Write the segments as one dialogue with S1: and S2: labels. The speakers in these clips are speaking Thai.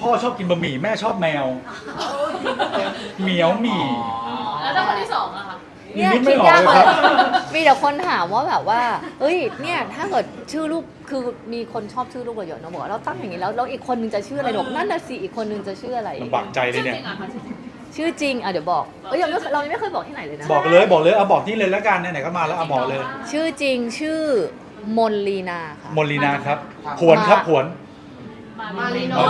S1: พ่อชอบกินบะหมี่แม่ชอบแมวเหมียวหมี่
S2: แล้วถ้าคนที่สองอะคะ
S1: นี่นึกไม่ออกเลยครับ
S3: มีแต่คนถามว่าแบบว่าเอ้ยเนี่ยถ้าเกิดชื่อลูกคือมีคนชอบชื่อลูกเราเยอะเนอะบอกว่าเราตั้งอย่างนี้แล้วอีกคนนึงจะชื่ออะไรบอกนั่นน่ะสิอีกคนนึงจะชื่ออะไร
S1: ลำบากใจเลยเนี่ย
S3: ชื่อจริงอ่ะเดี๋ยวบอกเรายังไม่เคยบอกที่ไหนเลยนะ
S1: บอกเลยเอาบอกนี่เลยแล้วกันไหนๆก็มาแล้วเอาบอกเลย
S3: ชื่อจริงชื่อมนลีนาค่ะ
S1: มนลีนาครับผวนครับผวน
S2: มารีโน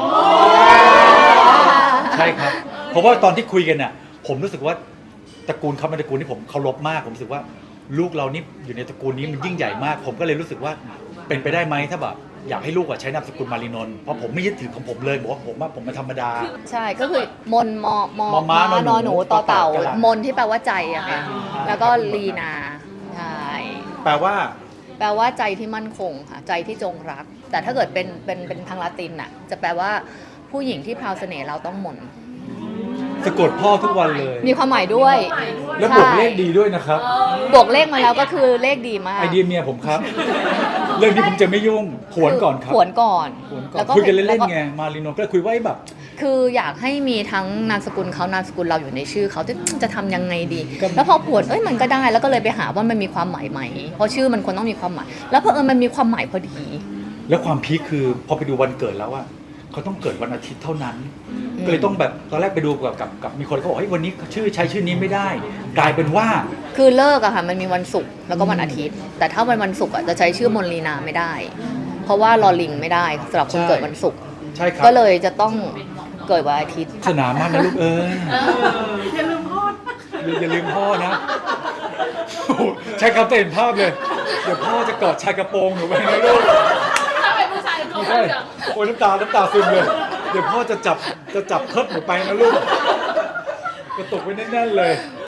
S1: ใช่ครับ เพราะว่าตอนที่คุยกันเนี่ยผมรู้สึกว่าตระกูลเขาเป็นตระกูลที่ผมเคารพมากผมรู้สึกว่าลูกเรานี่อยู่ในตระกูลนี้มันยิ่งใหญ่มาก ผมก็เลยรู้สึกว่าเป็นไปได้ไหมถ้าแบบอยากให้ลูกใช้นามสกุลมารีนนท์เพราะผมไม่ยึดถือของผมเลยบอกว่าผมเป็นธรรมดา
S3: ใช่ก็คือมนม
S1: ม้านหนู
S3: นหนูต่อเต่า
S1: ต่อเต่า
S3: มนที่แปลว่าใจอะค่ะแล้วก็ลีนาใช่
S1: แปลว่า
S3: แปลว่าใจที่มั่นคงค่ะใจที่จงรัก แต่ถ้าเกิดเป็นทางละตินน่ะจะแปลว่าผู้หญิงที่พราวเสน่ห์เราต้องมน
S1: สะกดพ่อทุกวันเลย
S3: มีความหมายด้วย
S1: แล้วบวกเลขดีด้วยนะครับ
S3: บวกเลขมาแล้วก็คือเลขดีมาก
S1: ไอเดียเมียผมครับ เรื่องนี้ผมจะไม่ยุ่งผวนก่อนครับ
S3: ผวนก่อน
S1: ผวนก่อนคุยกันเล่นๆไงมารีนนท์ก็เลยคุยว่าแบบ
S3: คืออยากให้มีทั้งนามสกุลเขานามสกุลเราอยู่ในชื่อเขาจะทำยังไงดี
S1: ก็
S3: แล้วพอผวนมันก็ได้แล้วก็เลยไปหาว่ามันมีความหมายไหมเพราะชื่อมันควรต้องมีความหมาย แล้วเพอมันมีความหมายพอดี
S1: แล้วความพีคคือพอไปดูวันเกิดแล้วว่าเขาต้องเกิดวันอาทิตย์เท่านั้น ก็เลยต้องแบบตอนแรกไปดูกับมีคนเขาบอกเฮ้ยวันนี้ใช้ชื่อนี้ไม่ได้ กลายเป็นว่า
S3: คือเลิกอะค่ะมันมีวันศุกร์แล้วก็วันอาทิตย์ แต่ถ้าวันศุกร์อะจะใช้ชื่อมนลีนาไม่ได้ เพราะว่าลอลิงไม่ได้สำหรับคนเกิดวันศุกร์
S1: ใช่ครับ
S3: ก็เลยจะต้องเกิดวันอาทิตย์
S1: สนามมากนะลูกเอ้ย
S2: อย่าลืมพ่อ
S1: อย่าลืมพ่อนะโอ้โหใช้คำเต็มภาพเลย เดี๋ยวพ่อจะกอดชายกระโปรงหนูไปนะลูก
S2: ถ้าเป็นผู้ชายเขา
S1: ไม่
S2: เห
S1: ใช่
S2: ลือง
S1: โอ้ยน้ำตาซึมเลย เดี๋ยวพ่อจะจับเคิร์ดหนูไปนะลูกกระตุกไว้แน่นๆเลย